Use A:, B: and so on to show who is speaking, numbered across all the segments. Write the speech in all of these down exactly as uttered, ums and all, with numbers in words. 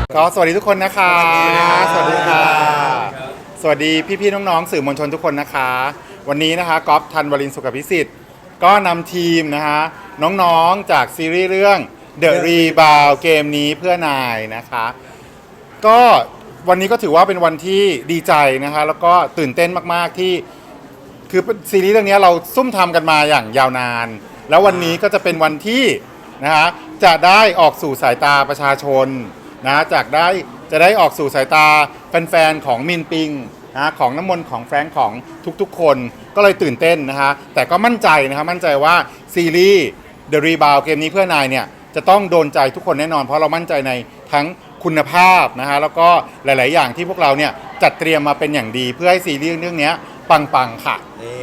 A: ขอสวัสดีทุกคนนะคะสวัสดีค่ะสวัสดีพี่ๆน้องๆสื่อมวลชนทุกคนนะคะวันนี้นะคะก๊อฟธันวรินทร์สุขพิสิทธิ์ก็นำทีมนะคะน้องๆจากซีรีส์เรื่อง The Rebound เกมนี้เพื่อนายนะคะก็วันนี้ก็ถือว่าเป็นวันที่ดีใจนะคะแล้วก็ตื่นเต้นมากๆที่คือซีรีส์เรื่องนี้เราซุ่มทำกันมาอย่างยาวนานแล้ววันนี้ก็จะเป็นวันที่นะคะจะได้ออกสู่สายตาประชาชนนะจากได้จะได้ออกสู่สายตาแฟนๆของมินปิงนะของน้ำมนต์ของแฟรงค์ของทุกๆคนก็เลยตื่นเต้นนะคะแต่ก็มั่นใจนะคะมั่นใจว่าซีรีส์ The Rebound เกมนี้เพื่อนายเนี่ยจะต้องโดนใจทุกคนแน่นอนเพราะเรามั่นใจในทั้งคุณภาพนะคะแล้วก็หลายๆอย่างที่พวกเราเนี่ยจัดเตรียมมาเป็นอย่างดีเพื่อให้ซีรีส์เรื่องนี้ปังๆค่ะ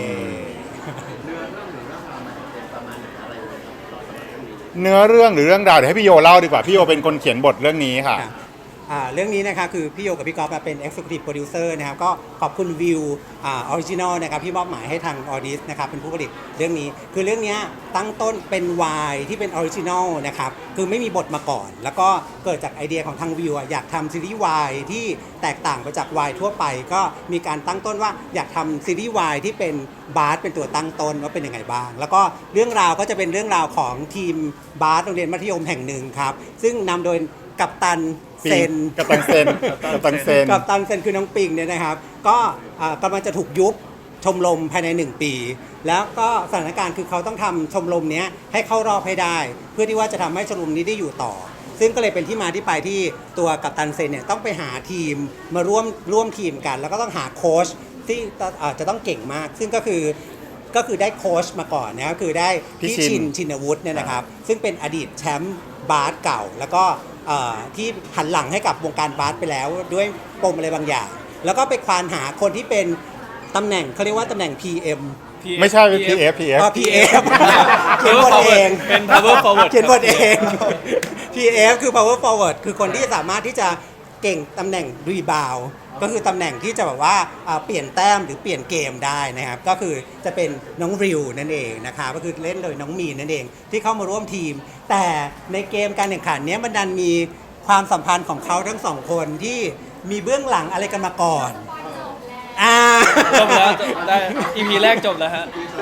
A: เนื้อเรื่องหรือเรื่องราวเดี๋ยวให้พี่โยเล่าดีกว่าพี่โยเป็นคนเขียนบทเรื่องนี้ค่ะ
B: เรื่องนี้นะคะคือพี่โยกับพี่ก๊อฟเป็น Executive Producer นะครับก็ขอบคุณวิวออริจินอลนะครับที่มอบหมายให้ทางออดิสนะครับเป็นผู้ผลิตเรื่องนี้คือเรื่องนี้ตั้งต้นเป็นวายที่เป็นออริจินอลนะครับคือไม่มีบทมาก่อนแล้วก็เกิดจากไอเดียของทางวิวอยากทำซีรีส์วายที่แตกต่างไปจากวายทั่วไปก็มีการตั้งต้นว่าอยากทำซีรีส์วายที่เป็นบาสเป็นตัวตั้งต้นว่าเป็นยังไงบ้างแล้วก็เรื่องราวก็จะเป็นเรื่องราวของทีมบาสโรงเรียนมัธยมแห่งหนึ่งครับซึ่งนำโดยกัปตันเซน
A: กัปตันเซนกัปตันเซน
B: กัปตันเซนคือน้องปิงเนี่ยนะครับก็กำลังจะถูกยุบชมรมภายในหนึ่งปีแล้วก็สถานการณ์คือเขาต้องทำชมรมนี้ให้เข้ารอบให้ได้เพื่อที่ว่าจะทำให้ชมรมนี้ได้อยู่ต่อซึ่งก็เลยเป็นที่มาที่ไปที่ตัวกัปตันเซนเนี่ยต้องไปหาทีมมาร่วมร่วมทีมกันแล้วก็ต้องหาโค้ชที่จะต้องเก่งมากซึ่งก็คือก็คือได้โค้ชมาก่อนนะก็คือได้พี่ชินชินวุฒิเนี่ยนะครับซึ่งเป็นอดีตแชมป์บาสเก่าแล้วก็ที่หันหลังให้กับวงการบาสไปแล้วด้วยปมอะไรบางอย่างแล้วก็ไปควานหาคนที่เป็นตำแหน่งเขาเรียกว่าตำแหน่ง พี เอ็ม
A: ไม่ใช่เป็น พี เอฟ พี เอฟ
B: อ๋อ พี เอฟ เขียนบทเอง
C: เป็น power forward
B: เขียนบทเอง พี เอฟ คือ power forward คือคนที่สามารถที่จะเก่งตำแหน่งรีบาวก็คือตำแหน่งที่จะแบบว่าเปลี่ยนแต้มหรือเปลี่ยนเกมได้นะครับก็คือจะเป็นน้องริวนั่นเองนะคะก็คือเล่นโดยน้องมีนนั่นเองที่เข้ามาร่วมทีมแต่ในเกมการแข่งขันนี้มันดันมีความสัมพันธ์ของเขาทั้งสองคนที่มีเบื้องหลังอะไรกันมาก่อนอ่า
C: จบแล้วได้ อี พี แรกจบแล้วฮะ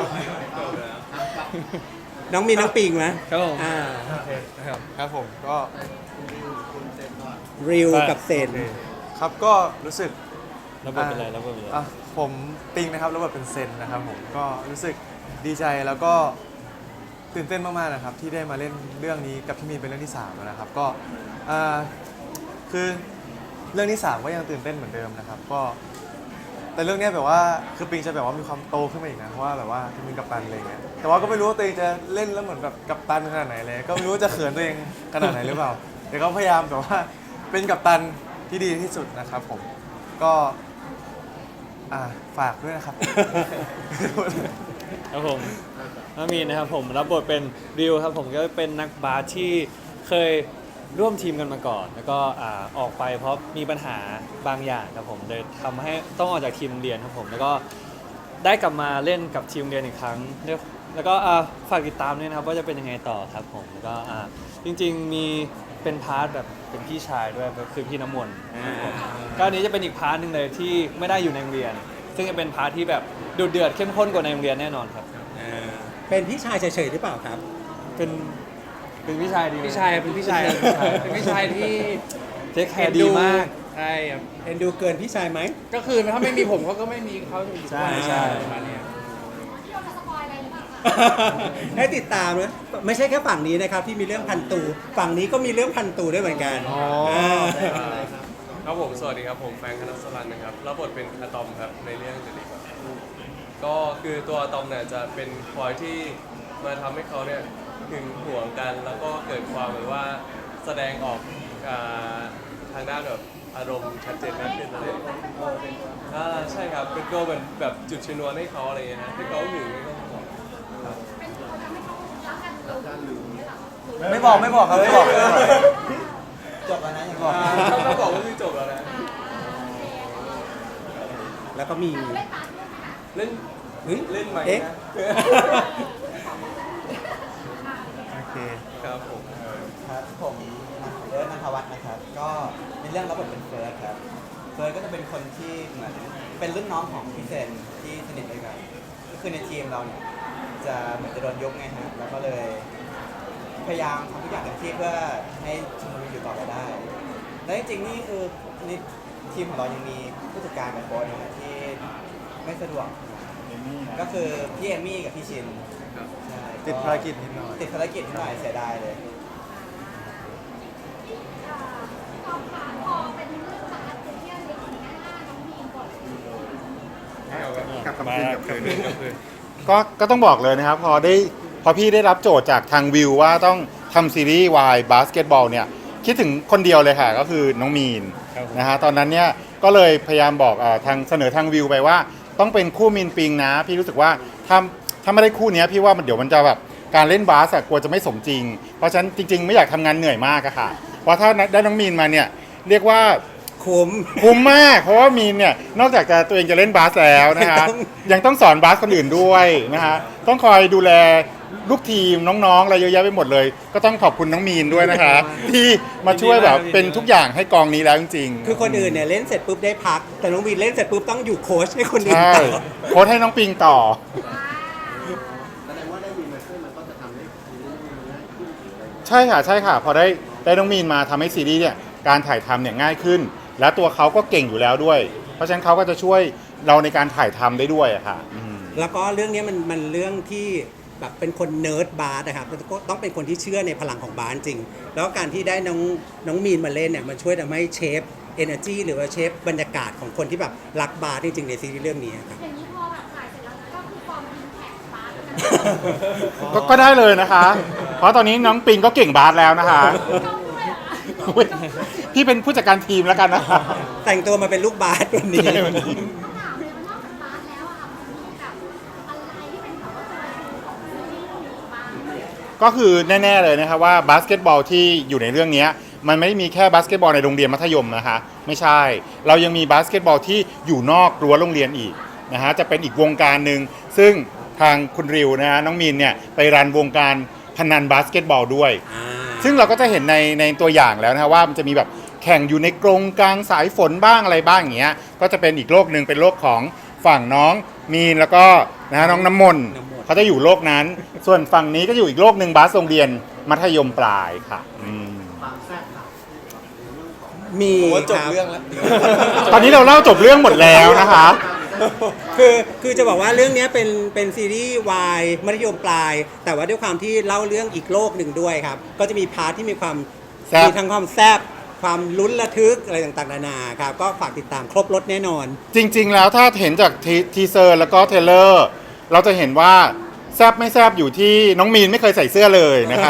B: น้องมีน้องปิงไหม
C: ครับผม
B: อ่า
D: ครับผมก็
B: ริวกับเซน
D: ครับก็รู้สึก
C: แล้วบทเป็นอะไรแล้วบทเป็นอะไร
D: ผมปิงนะครับแล้วบทเป็นเซนนะครับผมก็รู้สึกดีใจแล้วก็ตื่นเต้นมากๆนะครับที่ได้มาเล่นเรื่องนี้กับพี่มีนเป็นเรื่องที่สามนะครับก็คือเรื่องที่สามก็ยังตื่นเต้นเหมือนเดิมนะครับก็แต่เรื่องนี้แบบว่าคือปิงจะแบบว่ามีความโตขึ้นมาอีกนะเพราะว่าแบบว่าเป็นกัปตันอะไรเงี้ยแต่ว่าก็ไม่รู้ว่าตัวเองจะเล่นแล้วเหมือนแบบกัปตันขนาดไหนเลยก็ไม่รู้ว่าจะเขินตัวเองขนาดไหนหรือเปล่าแต่ก็พยายามแบบว่าเป็นกัปตันที่ดีที่สุดนะครับผมก็ฝากด้วยนะครับ
C: ครับผมน้ามีนะครับผมรับบทเป็นริวครับผมก็เป็นนักบาสที่เคยร่วมทีมกันมาก่อนแล้วก็ออกไปเพราะมีปัญหาบางอย่างครับผมเลยทำให้ต้องออกจากทีมเรียนครับผมแล้วก็ได้กลับมาเล่นกับทีมเรียนอีกครั้งแล้วก็ฝากติดตามด้วยนะครับว่าจะเป็นยังไงต่อครับผมแล้วก็จริงๆมีเป็นพาร์ทแบบเป็นพี่ชายด้วยก็คือพี่น้ำมนต์ก็อันนี้จะเป็นอีกพาร์ทนึงเลยที่ไม่ได้อยู่ในโรงเรียนซึ่งจะเป็นพาร์ทที่แบบดุเดือดเข้มข้นกว่าในโรงเรียนแน่นอนครับ
B: เป็นพี่ชายเฉยๆหรือเปล่าครับ
C: เป็นเป็นพี่ชายดี
E: พี่ชายเป็นพี่ชายเป็นพี่ชายที่
C: เทคแคร์ดีมาก
E: ใช่ครับ
B: เอ็นดูเกินพี่ชายไหม
E: ก็คือถ้าไม่มีผมเขาก็ไม่มีเขาอยู่
C: ใช่ใช่
E: ประมาณนี้
B: ให้ติดตามนะไม่ใช่แค่ฝั่งนี้นะครับที่มีเรื่องพันตูฝั่งนี้ก็มีเรื่องพันตูด้วยเหมือนกัน
F: ครับผมสวัสดีครับผมแฟรงค์ คณัสรันนะครับรับบทเป็นอะตอมครับในเรื่องเดลิครับก็คือตัวอะตอมเนี่ยจะเป็นคอยที่มาทำให้เขาเนี่ยหึงหวงกันแล้วก็เกิดความแบบว่าแสดงออกทางด้านแบบอารมณ์ชัดเจนมากขึ้นอะไรอ่าใช่ครับเป็นตัวเหมือนแบบจุดชนวนให้เขาอะไรเงี้ยฮะที่เขาหึง
D: ไม่บอกไม่บอกครับไม่บอก
B: จบแล้วนะยังบอก
F: เขาบอกว่าคือจบแล้วนะ
B: แล้วก็มี
F: เล่นเล่นไหมนะ
D: โอเค
F: ครับผม
G: ครับผมเอิร์ธ ณัฐวัฒน์นะครับก็รื่องรับบทเป็นเฟิร์สครับเฟิร์สก็จะเป็นคนที่เหมือนเป็นรุ่นน้องของพี่เซนที่สนิทด้วยกันก็คือในทีมเราเนี่ยจะเหมือนจะโดนยกไงฮะแล้วก็เลยพยายามทำทุกอย่างเต็มที่เพื่อให้ชมรมอยู่ต่อไปได้ และจริงๆนี่คือนี่ทีมของเรายังมีผู้จัดการกับโค้ชนะฮะที่ไม่สะดวกก็คือพี่เอมมี่กับพี่ชินใช่
D: ติดภารกิจนิดหน่อย
G: ติดภารกิจนิดหน่อยเสียดายเลย
A: กลับคำคืนกลับคืนก็ก็ต้องบอกเลยนะครับ พอได้พอพี่ได้รับโจทย์จากทางวิวว่าต้องทำซีรีส์วายบาสเกตบอลเนี่ยคิดถึงคนเดียวเลยค่ะ ก็คือน้องมีนนะฮะตอนนั้นเนี่ยก็เลยพยายามบอกเออทางเสนอทางวิวไปว่าต้องเป็นคู่มีนปิงนะ พี่รู้สึกว่าถ้าถ้าไม่ได้คู่เนี้ยพี่ว่ามันเดี๋ยวมันจะแบบการเล่นบาสอะกลัวจะไม่สมจริง เพราะฉะนั้นจริง ๆ ไม่อยากทำงานเหนื่อยมากอะค่ะเพราะถ้าได้น้องมีนมาเนี่ยเรียกว่า
B: คุ้ม
A: คุ้มมากเพราะว่ามีนเนี่ยนอกจากจะตัวเองจะเล่นบาสแล้วนะฮะ
B: ยังต้อง
A: ยังต้องสอนบาสคนอื่นด้วยนะฮะต้องคอยดูแลลูกทีมน้องๆอะไรเยอะแยะไปหมดเลย ก็ต้องขอบคุณน้องมีนด้วยนะคะที่มาช่วยแบบเป็นทุกอย่างให้กองนี้แล้วจริงๆ
B: คือคนอื่นเนี่ยเล่นเสร็จปุ๊บได้พัก แต่น้องวีนเล่นเสร็จปุ๊บต้องอยู่โค้ชให้คนอื่น
A: ใช่
B: ต่อ
A: โค้ชให้น้องปิงต่อ ใช่ค่ะใช่ค่ะ พอได้ได้น้องมีนมาทำให้ซีรีส์เนี่ยการถ่ายทำเนี่ยง่ายขึ้น และตัวเขาก็เก่งอยู่แล้วด้วย เพราะฉะนั้นเขาก็จะช่วยเราในการถ่ายทำได้ด้วยอะค่ะอืม
B: แล้วก็เรื่องนี้มันมันเรื่องที่แบบเป็นคนเนิร์ดบาสนะครับก็ต้องเป็นคนที่เชื่อในพลังของบาสจริง แล้วการที่ได้น้องน้องมีนมาเล่นเนี่ยมันช่วยทำให้เชฟเอเนอร์จีหรือว่าเชฟบรรยากาศของคนที่แบบรักบาสจริงๆในซีรีส์เรื่องนี้ครับ
H: อย่างนี้พอแบบถ่ายเสร็จแล้วก็คือฟอร์มอินแพคบาสแล้วนะ
A: ก็ก็ได้เลยนะคะ เพราะตอนนี้น้องปิงก็เก่งบาสแล้วนะคะ
H: ต้องด้วยเหรอ
A: อุ๊ยพี่เป็นผู้จัดการทีมแล้วกันนะคะ
B: แต่งตัวมาเป็นลูกบาสวันนี้
A: ใช่วันนี้
H: ต้องถามเลยว่านอกจากบาสแล้วอะค่ะมันมีแบบอะไรที่เป็นแบบว่าตัวเองของซีรีส์เรื่องนี้บ้าง
A: ก็คือแน่ๆเลยนะครับว่าบาสเกตบอลที่อยู่ในเรื่องนี้มันไม่ได้มีแค่บาสเกตบอลในโรงเรียนมัธยมนะคะไม่ใช่ เรายังมีบาสเกตบอลที่อยู่นอกรั้วโรงเรียนอีกนะฮะจะเป็นอีกวงการหนึ่งซึ่งทางคุณริวนะฮะน้องมีนเนี่ยไปรันวงการพนันบาสเกตบอลด้วย ซึ่งเราก็จะเห็นในในตัวอย่างแล้วนะฮะว่ามันจะมีแบบแข่งอยู่ในกรงกลางสายฝนบ้างอะไรบ้างอย่างเงี้ยก็จะเป็นอีกโลกหนึ่งเป็นโลกของฝั่งน้องมีนแล้วก็นะฮะน้องน้ำมนต์
B: น้ำมนต์
A: เขาจะอยู่โลกนั้น ส่วนฝั่งนี้ก็อยู่อีกโลกหนึ่งบาสโรงเรียนมัธยมปลายค่ะอืม
B: มี
D: ผมว่าจบ
B: ค
D: เรื่องแล้ว
A: ตอนนี้เราเล่าจบเรื่องหมดแล้วนะคะ
B: คือคือจะบอกว่าเรื่องนี้เป็นเป็นซีรีส์วายมัธยมปลาย แต่ว่าด้วยความที่เล่าเรื่องอีกโลกหนึ่งด้วยครับ ก็จะมีพาร์ทที่มีความ
A: แซ่บ
B: มีทั้งความแซบความลุ้นระทึกอะไรต่างๆนานาครับ ก็ฝากติดตามครบรถแน่นอน
A: จริง ๆ แล้วถ้าเห็นจากทีทีเซอร์แล้วก็เทรลเลอร์ เราจะเห็นว่าแซบไม่แซบอยู่ที่น้องมีนไม่เคยใส่เสื้อเลยนะคะ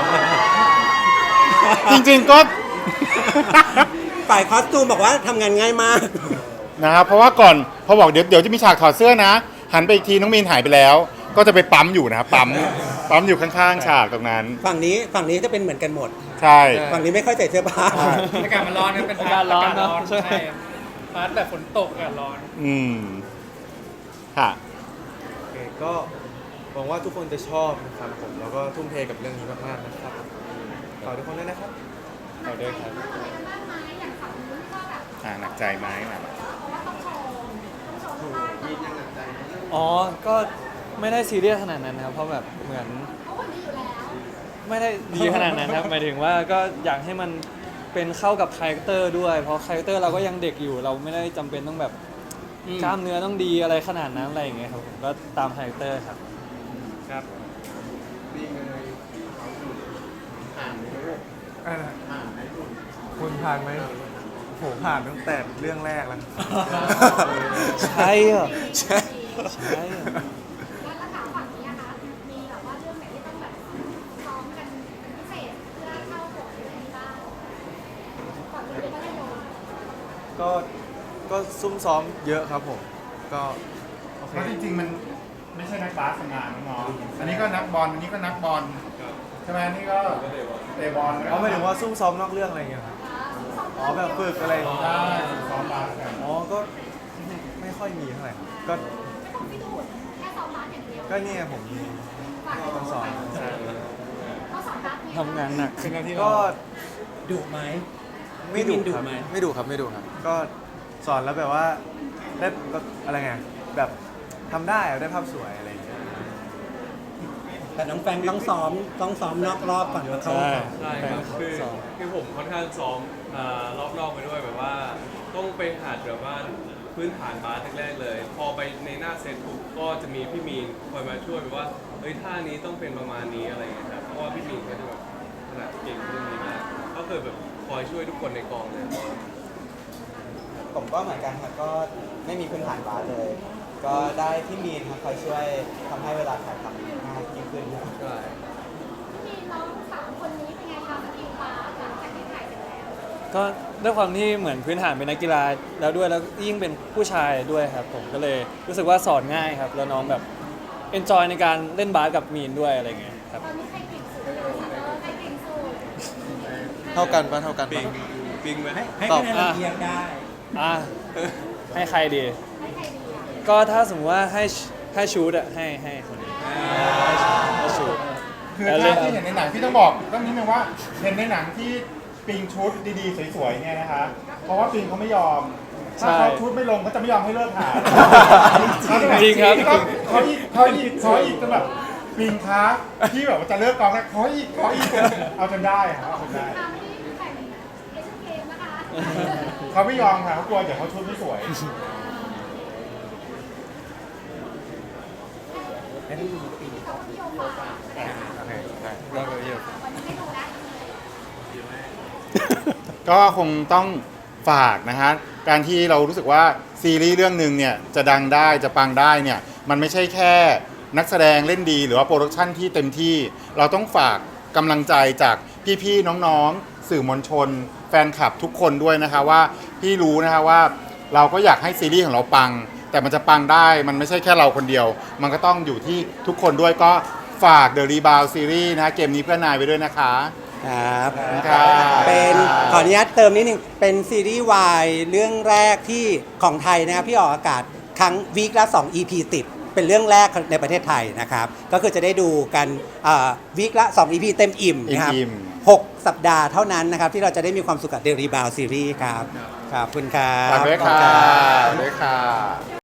A: จริงๆก็
B: ฝ่ายคอสตูมบอกว่าทำงานง่ายมาก
A: นะครับเพราะว่าก่อนพอบอกเดี๋ยวเดี๋ยวจะมีฉากถอดเสื้อนะ หันไปอีกทีน้องมีนหายไปแล้ว ก็จะไปปั๊มอยู่นะครับปั๊มปั๊มอยู่ข้างๆฉากตรงนั้น
B: ฝั่งนี้ฝั่งนี้จะเป็นเหมือนกันหมด
A: ใช่
B: ฝั่งนี้ไม่ค่อยใส่เสื้อผ้า
E: อากาศมันร้อนนะเป็น
C: อากาศร้อนเนอะ
E: กาศ
C: ใช่
E: ใช่พาร์ทแบบฝนตกอากาศร้อน
A: อืมค่ะ
D: โอเคก็หวังว่าทุกคนจะชอบนะครับผมแล้วก็ทุ่มเทกับเรื่องนี้มากๆนะครับฝากทุกคนด้วยนะครับ
C: ขอด้วยครับ
H: อะไรกันบ้างไหมอย่างฝั่งนู้นก็แบบ
A: อ่าหนักใจไหมอ่ะ
H: ว่าต้องโชว์ต้องโชว์ท่าต้อง
C: อ๋อ ก็ไม่ได้ซีเรียสขนาดนั้นครับเพราะแบบเหมือน
H: เพราะคนดีอยู่แล้ว
C: ไม่ได้ดีขนาดนั้นครับหมายถึงว่าก็อยากให้มันเป็นเข้ากับคาแรคเตอร์ด้วย เพราะคาแรคเตอร์เราก็ยังเด็กอยู่ เราไม่ได้จำเป็นต้องแบบ
B: อืม
C: กล้ามเนื้อต้องดีอะไรขนาดนั้นอะไรอย่างเงี้ยครับผมก็ตามคาแรคเตอร์ครับ
E: ครับ
D: คุณผ่านไหมโหผ่านตั้งแต่เรื่องแรกแล้ว
C: ใช่เหรอ
D: ใช่
C: ใช่เหรอ
H: แล้วราคาฝั่งนี้นะคะมีแบบว่าเรื่องไหนที่ต้องแบบซ้อมกันเป็นพิเศษเพื่อเข้าบทอะไรนี้บ้างก่อนเรียนมัธยม
D: ก็ก็ซุ่มซ้อมเยอะครับผม ก็โอเค
A: เพราะจริงๆมันไม่ใช่นักบาสทำงานน้องๆอันนี้ก็นักบอลอันนี้ก็นักบอลใช่ไหมอันนี่ก็เตะบอล
D: อ๋อหมายถึงว่าซุ่มซ้อมนอกเรื่องอะไรอย่างเงี้ยครับอ๋อแบบฝึกอะไรอย่างเงี้ย
A: ใช่ซ้อมบาสกัน
D: อ๋อก็ไม่ค่อยมีเท่าไหร่ครับก็
H: ไม่ต้องไม่ต้องแค่ซ้อมบาสอย่างเดียว
D: ก็เนี่ยผมมี
H: ฝาก
D: ต้องสอน
H: เขาสอนบาสเนี่ย
C: ทำงานหนัก
E: เป็นหน้าที่
D: ก็
B: ดุไหม
D: ไม่ดุ
B: พี่มินดุ
D: ครับ
B: ไหม
D: ไม่ดุครับไม่ดุครับ ก็สอนแล้วแบบว่าได้แบบอะไรไงแบบทำได้อะได้ภาพสวยอะไรอย่างเงี้ย
B: แต่น้องแฟรงค์ต้องซ้อมต้องซ้อมนอกรอบก่อนมาเข้า
C: ใช่
F: ใช่ครับคือ
C: ซ้อม
F: คือผมค่อนข้างซ้อมอ่ารอบนอกไปด้วยแบบว่า ต้องไปหัดแบบว่าพื้นฐานบาสแรกๆเลย พอไปในหน้าเซตปุ๊บก็จะมีพี่มีนคอยมาช่วยแบบว่าเฮ้ยท่านี้ต้องเป็นประมาณนี้อะไรอย่างเงี้ยครับเพราะว่าพี่มีนเขาจะแบบขนาดเก่งเรื่องนี้มากก็คือแบบคอยช่วยทุกคนในกองเลย
G: ผมก็เหมือนกันครับก็ไม่มีพื้นฐานบาสเลย ก็ได้พี่มีนครับคอยช่วยทำให้เวลาถ่ายทำง่ายยิ่งขึ้นครับ
F: ใช่
H: มีน้องสามคนนี้เป็นไงคะสกิลบาสหลังจากที่ถ่ายเสร็จแล้ว
C: ก็ด้วยความที่เหมือนพื้นฐานเป็นนักกีฬาแล้วด้วยแล้วยิ่งเป็นผู้ชายด้วยครับผมก็เลยรู้สึกว่าสอนง่ายครับ แล้วน้องแบบเอนจอยในการเล่นบาสกับมีนด้วยอะไรเงี้ยครับ
H: ตอนนี้ใครเก่งสุดเลยเออใครเก่งสุด
D: เท่ากันปะเท่ากัน
F: ปิ
D: ปะ
F: งปิงไหม
B: ให้ให้
C: ตอบ
B: คะแนนเราเอียงได้
C: อ่ะให้ใครดี
H: ให้ใครดีอ่ะ
C: ก็ถ้าสมมติว่าให้ให้ชูดอะให้ให้คนนี้ให้ชูด
A: คือ
C: แล้ว
A: ถ้า
C: เล่น
A: ที่เห็นในหนังพี่ต้องบอกต้องนิดนึงว่าเห็นในหนังที่ปิงชุดดีๆสวยๆเนี่ยนะคะ เพราะว่าปิงเขาไม่ยอม ถ้าเขาชุดไม่ลงเขาจะไม่ยอมให้เลิกถ่ายเขาจะแบบ
C: จริงครับ
A: เขาอีกเขาอีกเขาอีกจนแบบปิงคะที่แบบว่าจะเลิกกองแล้วเขาอีกเขาอีกเอาจนได้ครับเอาจนได้
H: ตามไม่ได้แข่งเอเชียนเกมนะคะ
A: เขาไม่ยอมค่ะเขากลัวเดี๋ยวเขาชุดไม่สวย
B: ให้พี่มีปี
H: กับพี่โยฝาก
A: โอเคได้
C: แล้วก็เยอะ
H: วันนี้ให้ดูนะ
A: ก็คงต้องฝากนะฮะการที่เรารู้สึกว่าซีรีส์เรื่องหนึ่งเนี่ยจะดังได้จะปังได้เนี่ยมันไม่ใช่แค่นักแสดงเล่นดีหรือว่าโปรดักชันที่เต็มที่ เราต้องฝากกำลังใจจากพี่ๆน้องๆสื่อมวลชน แฟนคลับทุกคนด้วยนะคะว่าพี่รู้นะคะว่าเราก็อยากให้ซีรีส์ของเราปัง แต่มันจะปังได้มันไม่ใช่แค่เราคนเดียว มันก็ต้องอยู่ที่ทุกคนด้วยก็ฝาก The Rebound Series นะเกมนี้เพื่อนนายไปด้วยนะคะ
B: ครับ
A: ขอบคุณครับ
B: เป็นขออนุญาตเติมนิดนึง เป็นซีรีส์วายเรื่องแรกที่ของไทยนะครับที่ออกอากาศครั้งวีคละสอง อี พี ติด เป็นเรื่องแรกในประเทศไทยนะครับ ก็คือจะได้ดูกันวีคละสอง อี พี เต็มอิ่มนะครับ
A: อิ่ม
B: หกสัปดาห์เท่านั้นนะครับ ที่เราจะได้มีความสุขกับเดลีบาวซีรีส์ครับขอบคุณครับ
A: ฝากด้วยค่ะ
B: ขอบณรับ
A: ฝากด้วยค่ะ